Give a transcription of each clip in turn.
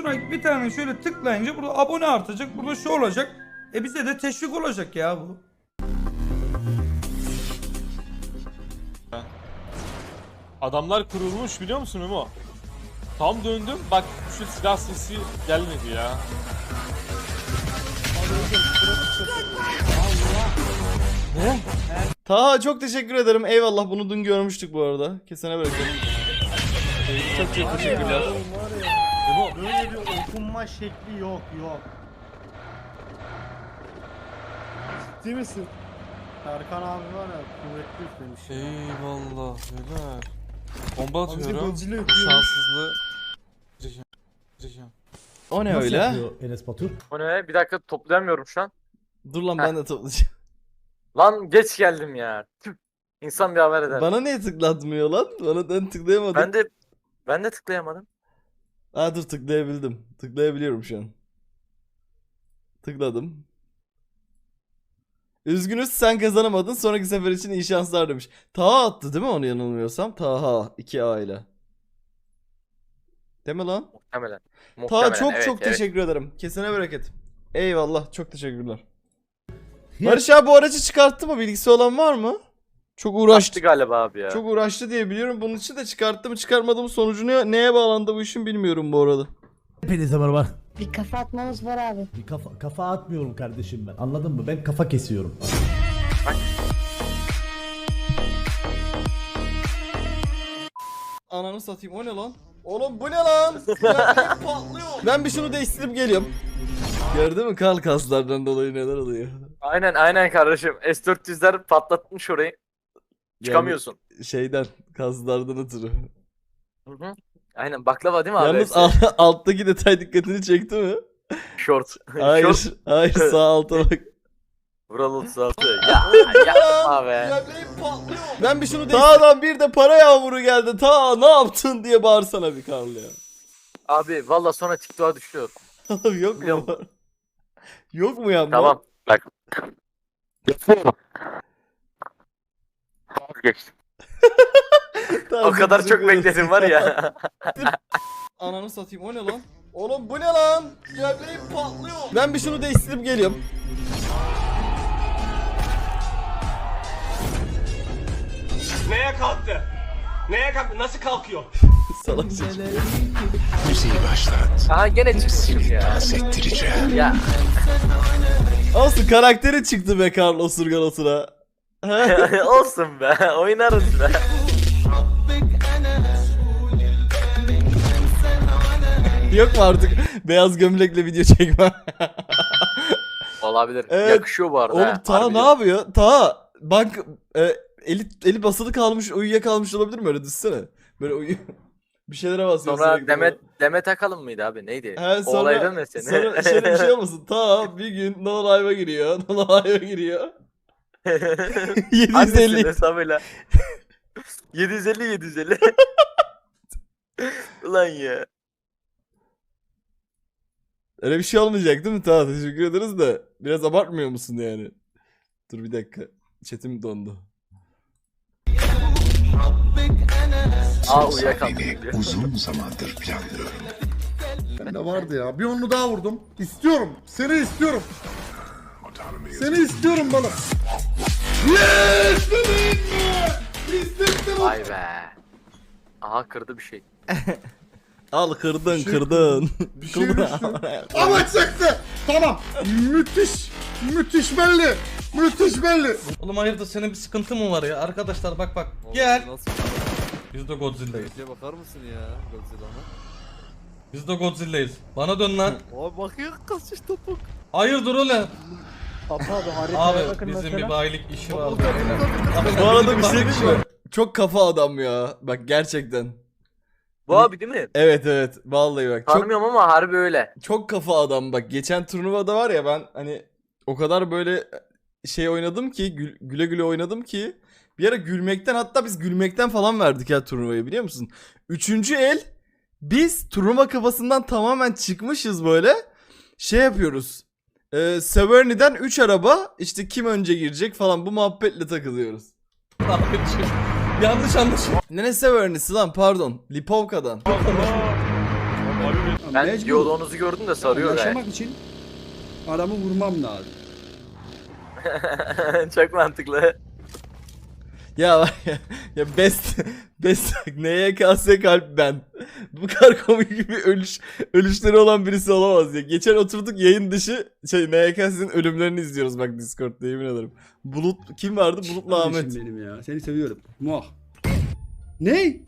Sonra bir tane şöyle tıklayınca burada abone artacak. Burada şu olacak. Bize de teşvik olacak ya bu. Adamlar kurulmuş biliyor musun Memo? Tam döndüm bak şu silah sesi gelmedi ya. Ne? Taha çok teşekkür ederim. Eyvallah, bunu dün görmüştük bu arada. Kesene bırakıyorum. Çok çok teşekkürler. Memo Böyle bir okunma şekli yok. Değil misin? Serkan abi var ya kuvvetli üflemiş. eyvallah helal. Bomba Amca atıyorum. Godzilla yapıyor. Şanssızlığı. Gireceğim. O ne Nasıl öyle? yapıyor Enes Batur? O ne? Bir dakika toplayamıyorum şu an. Dur lan, ben de toplayacağım. Lan geç geldim ya. Tüh. İnsan bir haber eder. Bana niye tıklatmıyor lan? Ben tıklayamadım. Ben de tıklayamadım. Ha dur, tıklayabildim. Tıklayabiliyorum şu an. Tıkladım. Üzgünüz, sen kazanamadın. Sonraki sefer için iyi şanslar demiş. Taha attı değil mi, onu yanılmıyorsam? Taha 2A ile. Değil mi lan? Muhtemelen. Taha çok evet, çok evet. teşekkür ederim. Kesene bereket. Eyvallah, çok teşekkürler. Barış abi bu aracı çıkarttı mı? Bilgisi olan var mı? Çok uğraştı. Açtı galiba abi ya. Çok uğraştı diye biliyorum. Bunun için de çıkarttı mı çıkartmadı mı, sonucu neye bağlandı bu işin bilmiyorum bu arada. Hepinize merhaba. Bir kafa atmamız var abi. Bir kafa atmıyorum kardeşim ben. Anladın mı? Ben kafa kesiyorum. Ananı satayım, o ne lan? Oğlum bu ne lan? Ya, patlıyor. Ben bir şunu değiştirip geliyorum. Gördün mü kal kaslardan dolayı neler oluyor? Aynen kardeşim. S400'ler patlatmış orayı. Çıkamıyorsun. Yani şeyden, kaslardan ötürü. Hı hı. Aynen baklava değil mi abi? Yalnız hepsi? alttaki detay dikkatini çekti mi? Short. Hayır, Short. hayır, sağ alta bak. Vural 36. Ya yapma be. Patlıyor. Ben bir şunu Tağ'dan bir de para yağmuru geldi. Ta ne yaptın diye bağırsana bir Karl ya. Abi valla sonra TikTok'a düşüyor. Abi yok Biliyor mu? musun? Yok mu ya? Tamam. Bak. Yapıyorum. Geçtim. Tamam, O kadar teşekkür çok ederim. bekledim var ya. Ananı satayım, o ne lan? Oğlum bu ne lan? Gömleğim patlıyor. Ben bir şunu değiştirip geliyorum. Neye kalktı? Neye kalktı? Nasıl kalkıyor? Salak çocuk. Aha gene çıkmışım ya. Ya. Olsun, karakteri çıktı be Karl osurgan osura. Olsun be. Oynarız be. Yok mu artık beyaz gömlekle video çekme? Olabilir. Evet. Yakışıyor bu arada. Oğlum ha, Ta harbiden. ne yapıyor? Ta bak, eli basılı kalmış, uyuyakalmış olabilir mi, öyle düşsene. Böyle bir şeylere basıyor Sonra sürekli. Demet Akalın mıydı abi? Neydi? He, O olaydan ne seni? sonra şöyle bir şey olmasın. Ta bir gün No Live'a giriyor. No Live'a giriyor. 750. Annesinin hesabıyla. 750. Ulan ya. Öyle bir şey olmayacak değil mi? Ta teşekkür ederiz de. Biraz abartmıyor musun yani? Dur bir dakika. Chat'im dondu. Uyuyakaldım. Uzun zamandır planlıyorum. Ben de vardı ya. Bir onu daha vurdum. İstiyorum. Seni istiyorum. Seni istiyorum bana. Yes! İstettim. Vay be. Aha kırdı bir şey. Al kırdın. Bir şey düştü. Ama çıktı. Tamam. Müthiş. Müthiş belli. Müthiş belli. Oğlum hayırdır, senin bir sıkıntın mı var ya? Arkadaşlar bak. Gel. Biz de Godzilla'yız. Bakar mısın ya Godzilla'na? Biz de Godzilla'yız. Bana dön lan. Abi bakıyor kaçış topuk. Hayırdır oğlum? Papa abi haritaya Abi bakın bizim mesela. bir bayilik işi var. Bu arada bir şey diyeyim mi? Çok kafa adam ya. Bak gerçekten. Bu abi değil mi? Evet. Vallahi bak. Çok, Tanımıyorum ama harbi öyle. çok kafa adam bak. Geçen turnuvada var ya, ben hani o kadar böyle şey oynadım ki, güle güle oynadım ki. Bir ara gülmekten, hatta biz gülmekten falan verdik ya turnuvayı, biliyor musun? Üçüncü el biz turnuva kafasından tamamen çıkmışız böyle. Şey yapıyoruz. Severny'den 3 araba, işte kim önce girecek falan, bu muhabbetle takılıyoruz. Yanlış anlaşılma. Ne Severny'si lan, pardon. Lipovka'dan. Ben diyaloğunuzu gördüm de sarıyor gayet. için adamı vurmam lazım. Çok mantıklı. Ya var ya best NYKS kalp ben. Bu kadar komik bir ölüşleri olan birisi olamaz ya. Geçen oturduk yayın dışı NYKS'in ölümlerini izliyoruz bak Discord'da, yemin ederim. Bulut kim vardı? Bulut'la Ahmet. Benim ya. Seni seviyorum. Muah. Ne?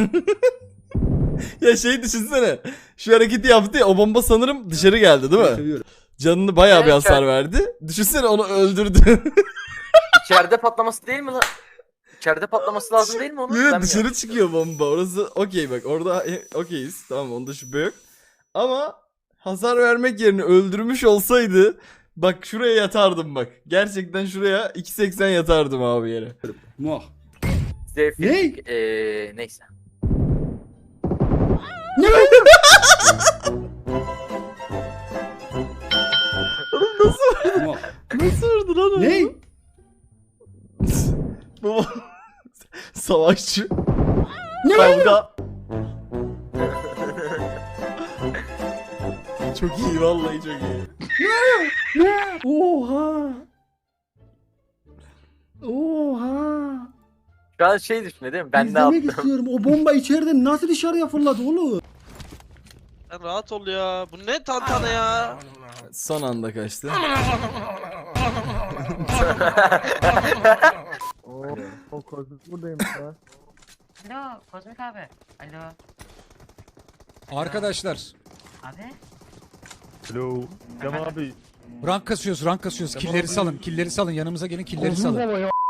Ya düşünsene. Şu hareketi yaptı ya, o bomba sanırım dışarı geldi değil mi? Seviyorum. Canını bayağı bir Evet, hasar verdi. Düşünsene onu öldürdü. İçeride patlaması değil mi lan? İçeride patlaması lazım değil mi onun? Evet, Ben dışarı mi çıkıyor bomba. Orası okey bak. Orada okeyiz. Tamam, onda şüphe yok. Ama hasar vermek yerine öldürmüş olsaydı bak şuraya yatardım bak. Gerçekten şuraya 2.80 yatardım abi yere. Muah. Zevkli. Neyse. Muah. Nasıl vurdu lan onu? Ne? Baba. Savaşçı. Kavga. Çok iyi, vallahi çok iyi. Oha. Oha. Şu an şey düşünüyor değil mi? Ben ne İzlemek yaptım? istiyorum. O bomba içeriden nasıl dışarıya fırladı oğlum? Sen rahat ol ya. Bu ne tantana ya? Son anda kaçtı. O kozmik buradayım ya. Alo Kozmik abi. Alo. Arkadaşlar Abi. Hello. Cem abi. rank kasıyoruz. Killeri salın yanımıza gelin, killeri salın.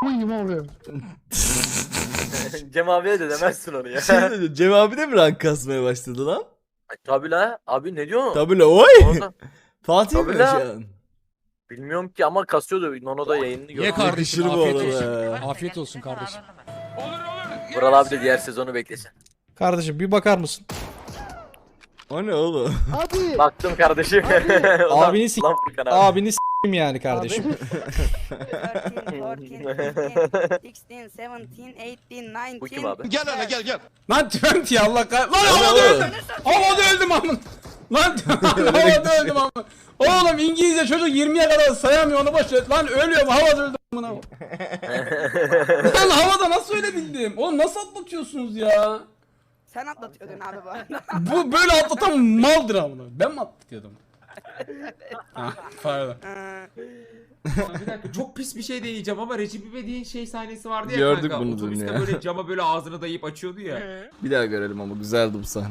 Cem abiye de demezsin onu ya. Dedi, Cem abi de mi rank kasmaya başladı lan? Ay, tabii la. Abi ne diyorsun? Tabii la oy. Orada- Fatih Tabii mi la. şu an? Bilmiyorum ki ama kasıyordu. Nono'da yayınını gördüm. Yakışır bu arada. Afiyet olsun kardeşim. Vural abi de diğer sezonu beklesin. Kardeşim bir bakar mısın? O ne oğlum? Baktım kardeşim. Abini s*** Lan Furkan abi. Abini s***im yani kardeşim. 13, 14, 15, 16, 17, 19. Bu kim abi? Gel hele gel. Lan Trent ya Allah kah... Lan O ne oğlum? havada öldüm amın. Lan havada öldüm amın. Oğlum İngilizce çocuk 20'ye kadar sayamıyor, onu boş ver. Lan ölüyorum, havada öldüm amına. Lan havada nasıl öyle bildim? Oğlum nasıl atlatıyorsunuz ya? Sen atlatıyordun abi bu arada. Bu böyle atlatan maldır amına. Ben mi atlatıyordum? Ha, pardon. Bir dakika, çok pis bir şey deneyeceğim ama Recep İvedik'in şey sahnesi vardı ya Gördük kanka. bunu Otobüste dün ya. böyle cama böyle ağzını dayayıp açıyordu ya. Bir daha görelim ama güzeldi bu sahne.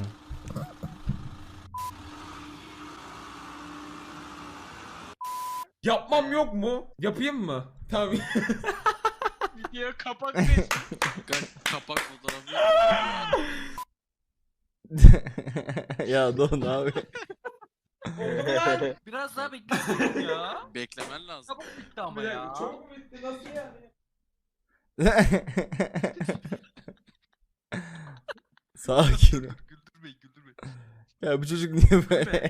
Yapmam yok mu? Yapayım mı? Tamam. Video kapak kapak fotoğrafı. Ya Don abi. Biraz daha beklesin ya. Beklemen lazım. Çabuk bitti ama ya. Çok bitti, nasıl yani? Sakin ol. Güldürmeyin. Ya bu çocuk niye böyle?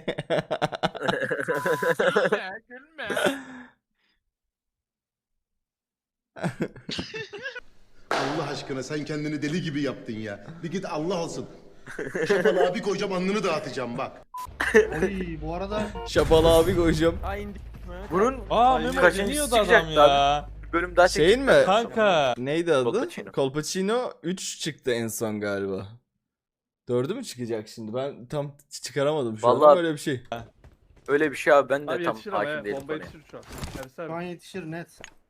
Gülme. Allah aşkına sen kendini deli gibi yaptın ya. Bir git Allah olsun. Şapalı abi koyacağım alnını dağıtacağım bak. Oy, bu arada Şapalı abi koyacağım. Bunun Aa Mehmet kaçıncısı deniyordu adam çıkacaktı ya. bir bölüm daha Şeyin mi? Kanka. Neydi adı? Colpacino. Colpacino 3 çıktı en son galiba. 4'ü mü çıkacak şimdi? Ben tam çıkaramadım şu an Vallahi- ama öyle bir şey. Öyle bir şey abi, ben de tam hakim değilim konuya. şu an yetişir net.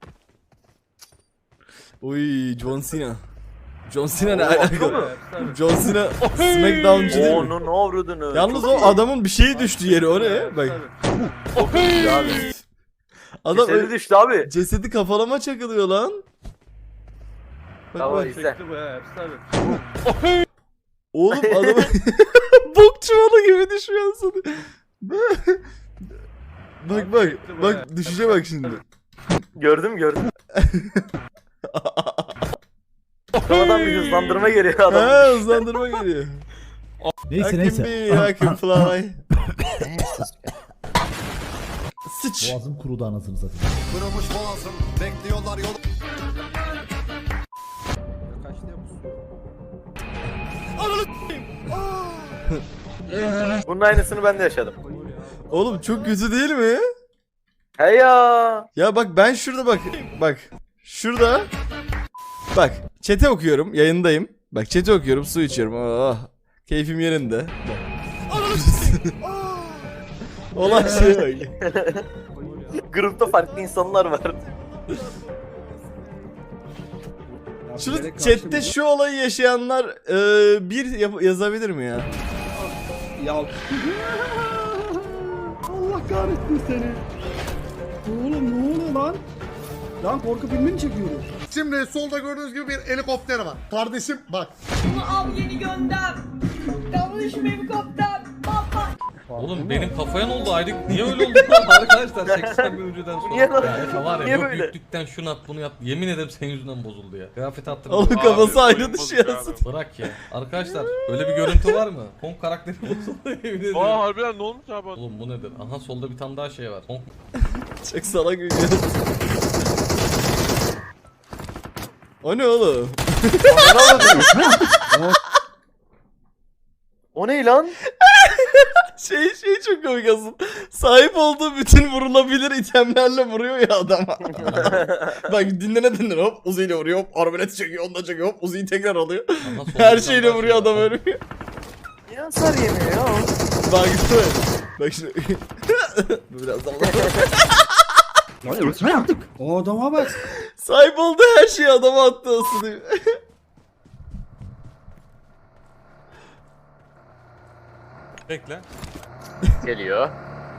Uy John Cena. John Cena ne Oo, alaka? mu? John Cena Smackdown'cu değil mi? Onun avradını. Yalnız Çok o iyi. adamın bir şeyi düştü yere oraya. Bak. Çok iyi abi. Adam Cesedi düştü abi. cesedi kafalama çakılıyor lan. Bak Tamam bak. izle. Oğlum adam bok çuvalı gibi düşüyor sana. Bak düşüşe bak şimdi. Gördüm. Sonradan bir hızlandırma geliyor adam. Ha hızlandırma geliyor. I can be, I can fly. Sıç. Boğazım kurudu anasını satayım. Kırılmış boğazım bekliyorlar yol. Bunun aynısını ben de yaşadım. Oğlum çok kötü değil mi? He ya. Ya bak ben şurada bak. Şurada. Bak chat'e okuyorum, yayındayım. Bak chat'e okuyorum, su içiyorum. Oh, keyfim yerinde. Olan şey bak. Grupta farklı insanlar var. Şunu chatte şu olayı yaşayanlar yazabilir mi ya? Ya. Allah kahretsin seni. Oğlum ne oluyor lan? Lan korku filmi mi çekiyorum? Şimdi solda gördüğünüz gibi bir helikopter var. Kardeşim bak. Al yeni gönder. Kavuş helikopter. Baba. Oğlum benim kafaya ne oldu ayrık? Niye öyle oldu lan arkadaşlar 80 bin önceden sonra? Niye lan? Ya Efe var ya Niye yok böyle? yüklükten şunu at bunu yap. Yemin ederim senin yüzünden bozuldu ya. Kıyafet attım. Oğlum kafası ayrı düşüyor. Bırak ya. Arkadaşlar öyle bir görüntü var mı? Kong karakteri bozuldu yemin ediyorum. harbiden ne olmuş abi? Oğlum bu nedir? Aha solda bir tane daha şey var. Kong Çok salak bir görüntü. O ne oğlum? O ne lan? Şey çok komik aslında. Sahip olduğu bütün vurulabilir itemlerle vuruyor ya adama. Bak dinlene hop Uzi ile vuruyor, hop arbalet çekiyor, onunla çekiyor, hop Uzi'yi tekrar alıyor. Aha, solda Her bir tane şeyle daha vuruyor şey var. adam ölmüyor. Ya hasar yemiyor ya. Bak işte. Bak şimdi. Bu biraz daha. Lan ne yaptık? O adama bak. Sahip olduğu her şeyi adama attı aslında. Bekle. Geliyor.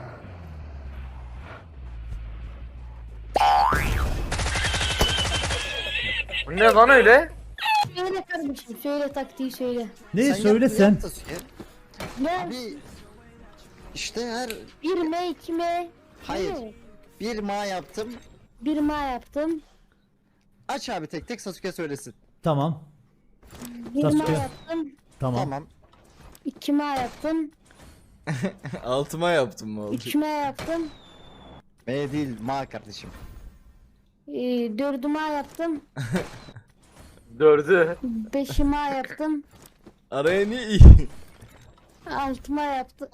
Bu ne lan öyle? Söyle kardeşim söyle taktiği söyle. Ne söyle sen? Ya İşte her 1 mi 2 mi? Hayır. bir ma yaptım. 1 ma yaptım. Aç abi tek tek Sasuke söylesin. Tamam. 1 ma Sasuke. yaptım. Tamam. 2 ma yaptım. Altıma yaptım mı oldu? 3 ma yaptım. M değil ma kardeşim. 4 ma yaptım. 4'ü. 5 ma yaptım. Araya niye iyi? 6 ma yaptım.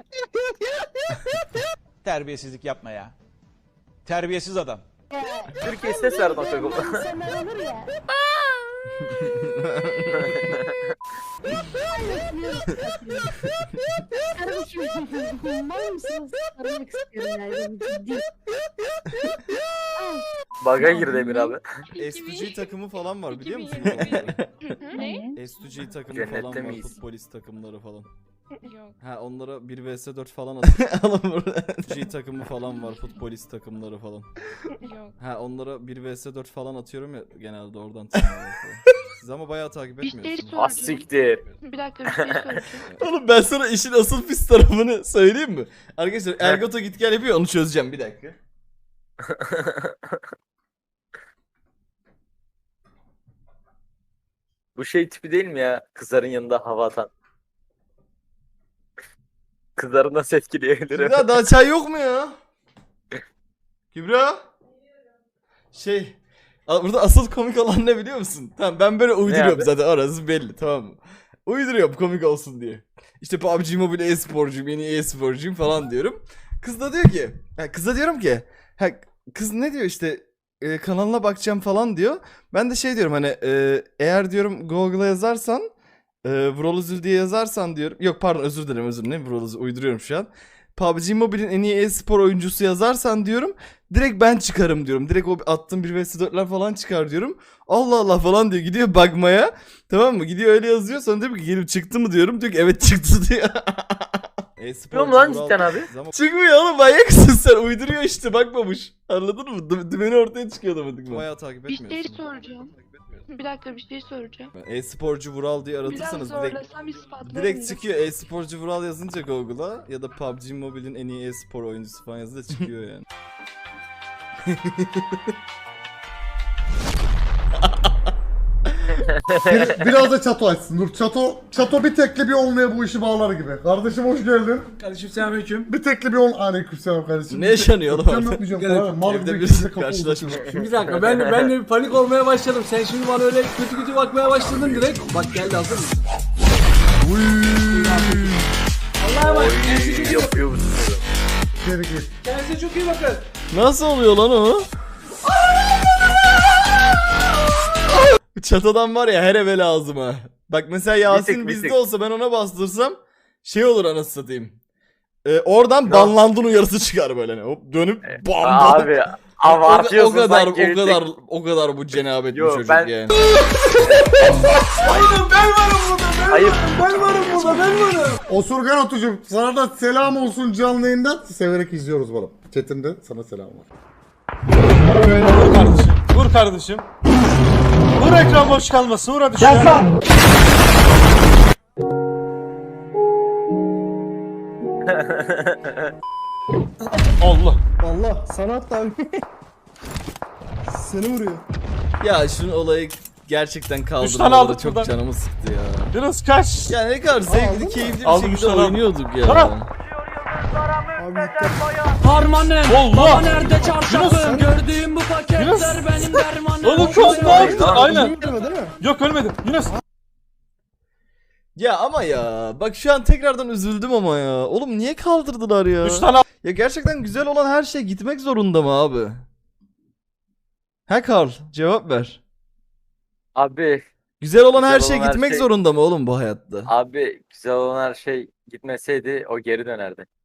Terbiyesizlik yapma ya. Terbiyesiz adam. Türkiye ses verdi o çocuk. İnsanlar olur ya. Kardeşim mal mısınız? Aramak istiyorum yani ciddi. Baga girdi Emir abi. S2G takımı falan var biliyor musun? Ne? S2G takımı Cennette falan var, miyiz? futbolist takımları falan. Yok. Ha onlara 1 vs 4 falan atıyor. Alın burada. G takımı falan var, futbolist takımları falan. Yok. Ha onlara 1 vs 4 falan atıyorum ya genelde oradan tanıyorlar falan. Siz ama bayağı takip etmiyorsunuz. Az siktir. Bir dakika bir şey soracağım. Oğlum ben sana işin asıl pis tarafını söyleyeyim mi? Arkadaşlar Ergoto git gel yapıyor, onu çözeceğim bir dakika. Bu şey tipi değil mi ya? Kızların yanında hava atan. Kızları nasıl etkileyebilirim? Kübra daha çay yok mu ya? Kübra? Burada asıl komik olan ne biliyor musun? Tamam ben böyle uyduruyorum abi? zaten, orası belli, tamam mı? Uyduruyorum komik olsun diye. İşte PUBG Mobile e-sporcuyum, yeni e-sporcuyum falan diyorum. Kız da diyor ki, kıza diyorum ki, kız ne diyor işte kanalına bakacağım falan diyor. Ben de şey diyorum hani eğer diyorum Google'a yazarsan Vroluzul diye yazarsan diyorum. Yok pardon özür dilerim Vroluzul uyduruyorum şu an. PUBG Mobile'in en iyi e-spor oyuncusu yazarsan diyorum. Direkt ben çıkarım diyorum. Direkt o attığım 1 vs 4'ler falan çıkar diyorum. Allah Allah falan diyor. Gidiyor bakmaya. Tamam mı? Gidiyor öyle yazıyor. Sonra diyor ki gelip çıktı mı diyorum. Diyor ki evet çıktı diyor. Çıkıyor mu lan cidden abi? Çıkmıyor oğlum, manyaksın sen. Uyduruyor işte, bakmamış. Anladın mı? Dümeni ortaya çıkıyor demedik. Bayağı takip Bir etmiyorsun. şey soracağım. Bir dakika bir şey soracağım. E-sporcu Vural diye Biraz aratırsanız direkt zorlasam ispatlarım. direkt çıkıyor. E-sporcu Vural yazınca Google'a ya da PUBG Mobile'in en iyi e-spor oyuncusu falan yazınca çıkıyor yani. Biraz da çato açsın. Dur çato bir tekli bir onluya bu işi bağlar gibi. Kardeşim hoş geldin. Kardeşim selamünaleyküm. Bir tekli bir on. Aleykümselam kardeşim. Ne yaşanıyor oğlum Öpeceğim, orada? öpmeyeceğim Gel, falan. Mal Evde gibi birisi ikimiz de kafa karşılaşmış. uzatıyor. Bir dakika ben de bir panik olmaya başladım. Sen şimdi bana öyle kötü bakmaya başladın direkt. Bak geldi hazır mısın? Allah'a emanet. Kendinize çok iyi bakın. Yapıyor bu sporu. Geri git. Kendinize çok iyi bakın. Nasıl oluyor lan o? Çatadan var ya her eve lazım ha. Bak mesela Yasin Bir bizde tek. olsa ben ona bastırsam şey olur anasını satayım. Oradan banlandın uyarısı çıkar böyle hani. Hop dönüp bam bam. Abi abartıyorsun O kadar bu cenabet bir Yo, çocuk ben- yani. Ayıp. Osurgan Otucuğum sana da selam olsun canlı yayından. Severek izliyoruz bana. Chat'inde sana selam var. Vur kardeşim. Vur kardeşim. Vur ekran boş kalmasın. Vur hadi şuna. Allah. Allah sanat abi. Seni vuruyor. Ya şunun olayı gerçekten tane kaldırmaları aldık çok buradan. canımı sıktı ya. Yunus kaç. Yani ne kadar zevkli, aldın mı? keyifli bir Aldım, şekilde üç tane aldım. oynuyorduk ya. Tamam. Abi dikkat. Allah. Nerede çarşafım? Gördüğüm bu Yunus. benim dermanım. Oğlum çok ne yaptın? Aynen. Ölmedi değil mi? Yok ölmedim. Yunus. Ya ama ya bak şu an tekrardan üzüldüm ama ya. Oğlum niye kaldırdılar ya? 3 tane Ya gerçekten güzel olan her şey gitmek zorunda mı abi? He Karl cevap ver. Abi Güzel olan her Güzel şey olan her gitmek şey- zorunda mı oğlum bu hayatta? abi güzel olan her şey gitmeseydi o geri dönerdi.